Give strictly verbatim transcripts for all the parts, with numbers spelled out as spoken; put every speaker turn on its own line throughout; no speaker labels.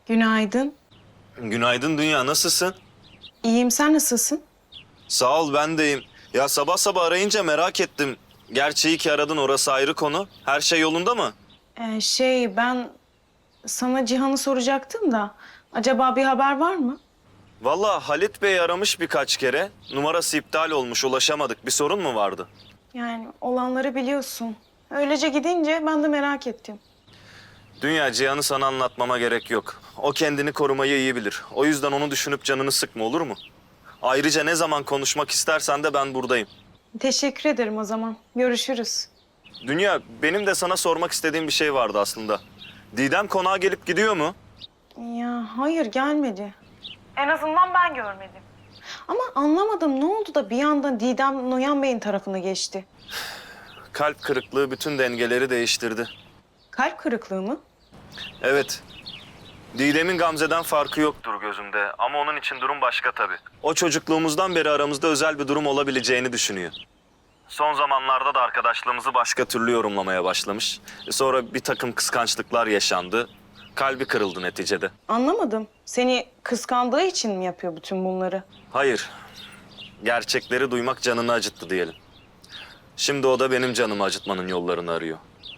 Günaydın.
Günaydın Dünya, nasılsın?
İyiyim, sen nasılsın?
Sağ ol, ben deyim. Ya sabah sabah arayınca merak ettim. Gerçi iyi ki aradın, orası ayrı konu. Her şey yolunda mı?
Ee, şey, ben sana Cihan'ı soracaktım da... Acaba bir haber var mı?
Vallahi Halit Bey aramış birkaç kere. Numarası iptal olmuş, ulaşamadık. Bir sorun mu vardı?
Yani olanları biliyorsun. Öylece gidince ben de merak ettim.
Dünya, Cihan'ı sana anlatmama gerek yok. O kendini korumayı iyi bilir. O yüzden onu düşünüp canını sıkma, olur mu? Ayrıca ne zaman konuşmak istersen de ben buradayım.
Teşekkür ederim o zaman. Görüşürüz.
Dünya, benim de sana sormak istediğim bir şey vardı aslında. Didem konağa gelip gidiyor mu?
Ya hayır, gelmedi. En azından ben görmedim. Ama anlamadım, ne oldu da bir anda Didem Noyan Bey'in tarafına geçti?
Kalp kırıklığı bütün dengeleri değiştirdi.
Kalp kırıklığı mı?
Evet. Didem'in Gamze'den farkı yoktur gözümde ama onun için durum başka tabii. O çocukluğumuzdan beri aramızda özel bir durum olabileceğini düşünüyor. Son zamanlarda da arkadaşlığımızı başka türlü yorumlamaya başlamış. E Sonra bir takım kıskançlıklar yaşandı. Kalbi kırıldı neticede.
Anlamadım. Seni kıskandığı için mi yapıyor bütün bunları?
Hayır. Gerçekleri duymak canını acıttı diyelim. Şimdi o da benim canımı acıtmanın yollarını arıyor.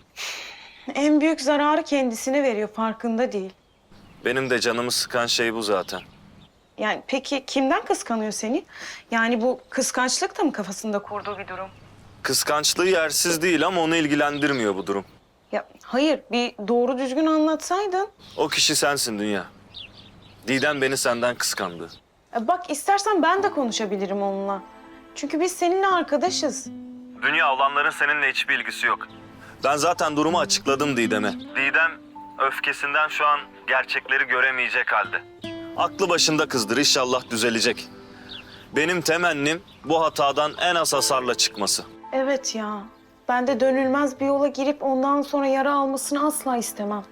En büyük zararı kendisine veriyor, farkında değil.
Benim de canımı sıkan şey bu zaten.
Yani peki kimden kıskanıyor seni? Yani bu kıskançlık da mı kafasında kurduğu bir durum?
Kıskançlığı yersiz değil ama onu ilgilendirmiyor bu durum.
Ya hayır, bir doğru düzgün anlatsaydın.
O kişi sensin Dünya. Didem beni senden kıskandı.
E bak, istersen ben de konuşabilirim onunla. Çünkü biz seninle arkadaşız.
Dünya, olanların seninle hiçbir ilgisi yok. Ben zaten durumu açıkladım Didem'e. Didem öfkesinden şu an gerçekleri göremeyecek halde. Aklı başında kızdır, inşallah düzelecek. Benim temennim bu hatadan en az hasarla çıkması.
Evet ya, ben de dönülmez bir yola girip ondan sonra yara almasını asla istemem.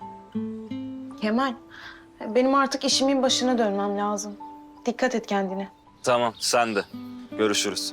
Kemal, benim artık işimin başına dönmem lazım. Dikkat et kendine.
Tamam, sen de. Görüşürüz.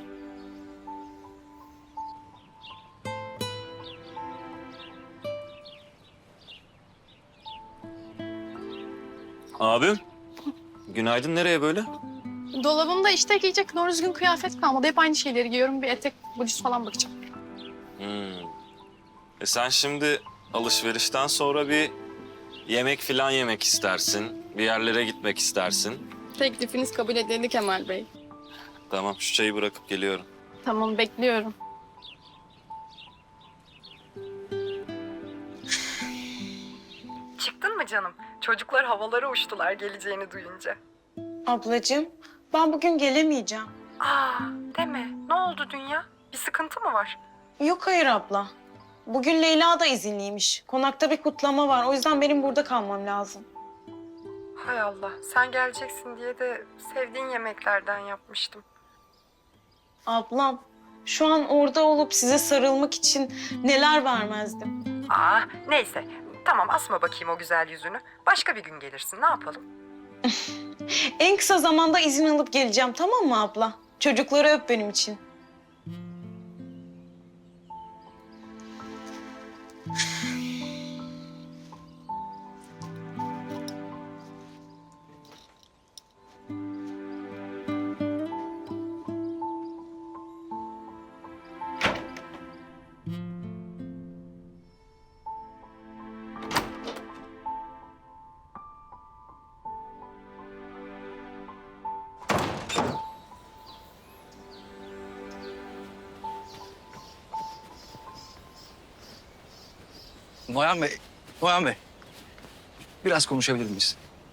Abim, günaydın. Nereye böyle?
Dolabımda işte giyecek doğru düzgün kıyafet kalmadı. Hep aynı şeyleri giyiyorum. Bir etek, bluz falan bakacağım.
Hmm. E sen şimdi alışverişten sonra bir yemek falan yemek istersin. Bir yerlere gitmek istersin.
Teklifiniz kabul edildi Kemal Bey.
Tamam, şu çayı bırakıp geliyorum.
Tamam, bekliyorum.
Çıktın mı canım? Çocuklar havalara uçtular geleceğini duyunca.
Ablacığım, ben bugün gelemeyeceğim.
Aa, deme. Ne oldu Dünya? Bir sıkıntı mı var?
Yok hayır abla. Bugün Leyla da izinliymiş. Konakta bir kutlama var. O yüzden benim burada kalmam lazım.
Hay Allah, sen geleceksin diye de sevdiğin yemeklerden yapmıştım.
Ablam, şu an orada olup size sarılmak için neler vermezdim.
Aa, neyse. Tamam, asma bakayım o güzel yüzünü. Başka bir gün gelirsin, ne yapalım?
En kısa zamanda izin alıp geleceğim, tamam mı abla? Çocukları öp benim için.
Noyan Bey, Noyan Bey. Biraz konuşabilir miyiz?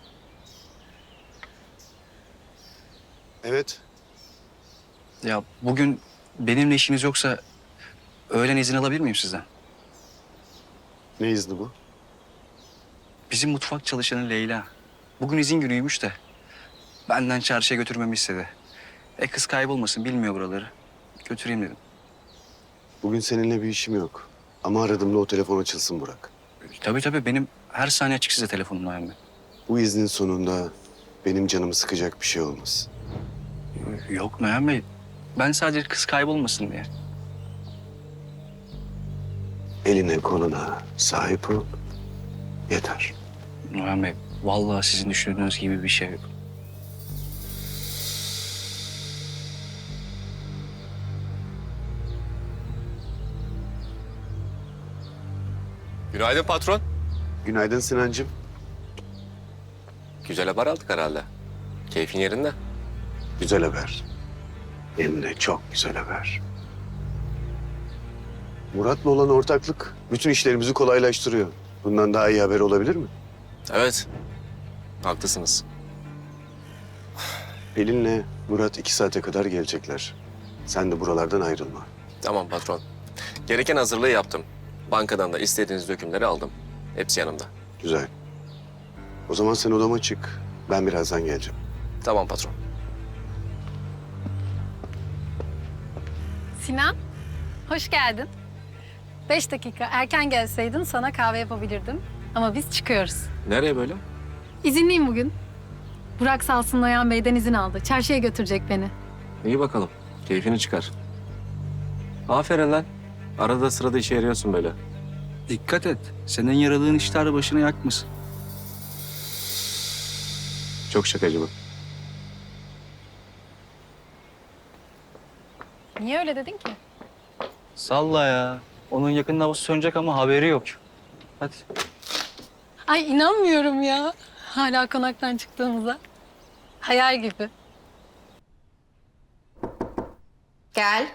Evet.
Ya bugün benimle işiniz yoksa öğlen izin alabilir miyim sizden?
Ne izni bu?
Bizim mutfak çalışanı Leyla. Bugün izin günüymüş de benden çarşıya götürmemi istedi. E kız kaybolmasın, bilmiyor buraları. Götüreyim dedim.
Bugün seninle bir işim yok. Ama aradığımda o telefon açılsın Burak.
Tabii tabii, benim her saniye açık size telefonum Noyan Bey.
Bu iznin sonunda benim canımı sıkacak bir şey olmaz.
Yok Noyan Bey, ben sadece kız kaybolmasın diye.
Eline koluna sahip ol. Yeter.
Noyan Bey, Vallahi sizin düşündüğünüz gibi bir şey yok.
Günaydın patron.
Günaydın Sinancığım.
Güzel haber aldık herhalde. Keyfin yerinde.
Güzel haber. Hem de çok güzel haber. Murat'la olan ortaklık bütün işlerimizi kolaylaştırıyor. Bundan daha iyi haber olabilir mi?
Evet. Haklısınız.
Pelin'le Murat iki saate kadar gelecekler. Sen de buralardan ayrılma.
Tamam patron. Gereken hazırlığı yaptım. Bankadan da istediğiniz dökümleri aldım. Hepsi yanımda.
Güzel. O zaman sen odama çık. Ben birazdan geleceğim.
Tamam patron.
Sinan, hoş geldin. Beş dakika erken gelseydin sana kahve yapabilirdim. Ama biz çıkıyoruz.
Nereye böyle?
İzinliyim bugün. Burak Salsın Noyan Bey'den izin aldı. Çarşıya götürecek beni.
İyi bakalım. Keyfini çıkar. Aferin lan. Arada sırada işe yarıyorsun böyle.
Dikkat et. Senin yaradığın işler başına yakmasın.
Çok şakacı bu.
Niye öyle dedin ki?
Salla ya. Onun yakında havası sönecek ama haberi yok. Hadi.
Ay inanmıyorum ya. Hala konaktan çıktığımıza. Hayal gibi.
Gel.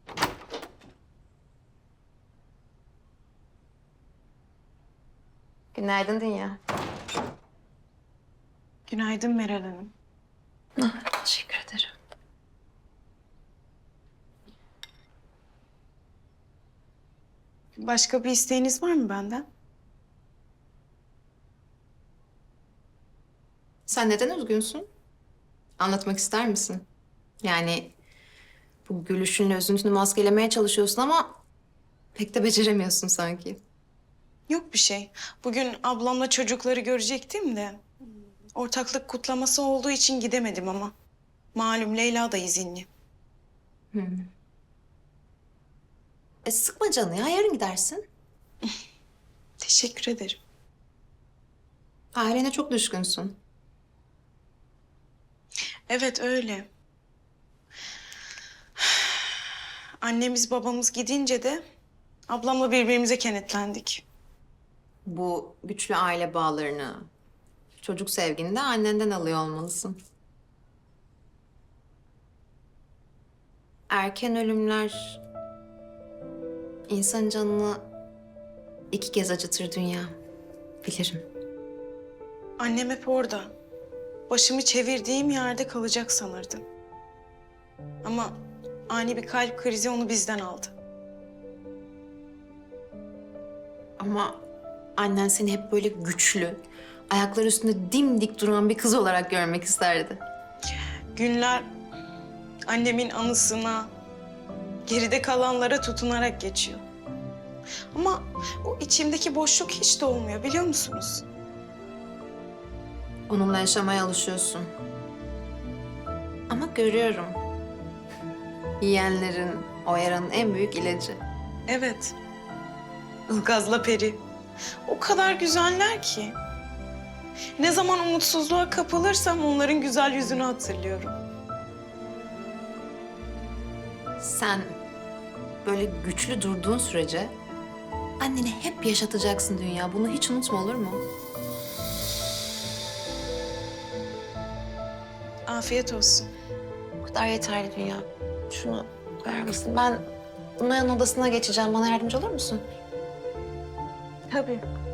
Günaydın Dünya.
Günaydın Meral Hanım.
Teşekkür ederim.
Başka bir isteğiniz var mı benden?
Sen neden üzgünsün? Anlatmak ister misin? Yani bu gülüşünle üzüntünü maskelemeye çalışıyorsun ama pek de beceremiyorsun sanki.
Yok bir şey. Bugün ablamla çocukları görecektim de ortaklık kutlaması olduğu için gidemedim ama. Malum Leyla da izinli.
E sıkma canını ya, yarın gidersin.
Teşekkür ederim.
Ailene çok düşkünsün.
Evet öyle. Annemiz babamız gidince de ablamla birbirimize kenetlendik.
Bu güçlü aile bağlarını, çocuk sevgini de annenden alıyor olmalısın. Erken ölümler insan canını iki kez acıtır Dünya. Bilirim.
Annem hep orada. Başımı çevirdiğim yerde kalacak sanırdım. Ama ani bir kalp krizi onu bizden aldı.
Ama annen seni hep böyle güçlü, ayakları üstünde dimdik duran bir kız olarak görmek isterdi.
Günler annemin anısına, geride kalanlara tutunarak geçiyor. Ama o içimdeki boşluk hiç de olmuyor biliyor musunuz?
Onunla yaşamaya alışıyorsun. Ama görüyorum. Yiyenlerin, o yaranın en büyük ilacı.
Evet. Ilgaz'la Peri. O kadar güzeller ki. Ne zaman umutsuzluğa kapılırsam onların güzel yüzünü hatırlıyorum.
Sen böyle güçlü durduğun sürece anneni hep yaşatacaksın Dünya. Bunu hiç unutma, olur mu?
Afiyet olsun.
Bu kadar yeterli Dünya. Şunu ver misin? Ben Noyan odasına geçeceğim. Bana yardımcı olur musun?
Tabii.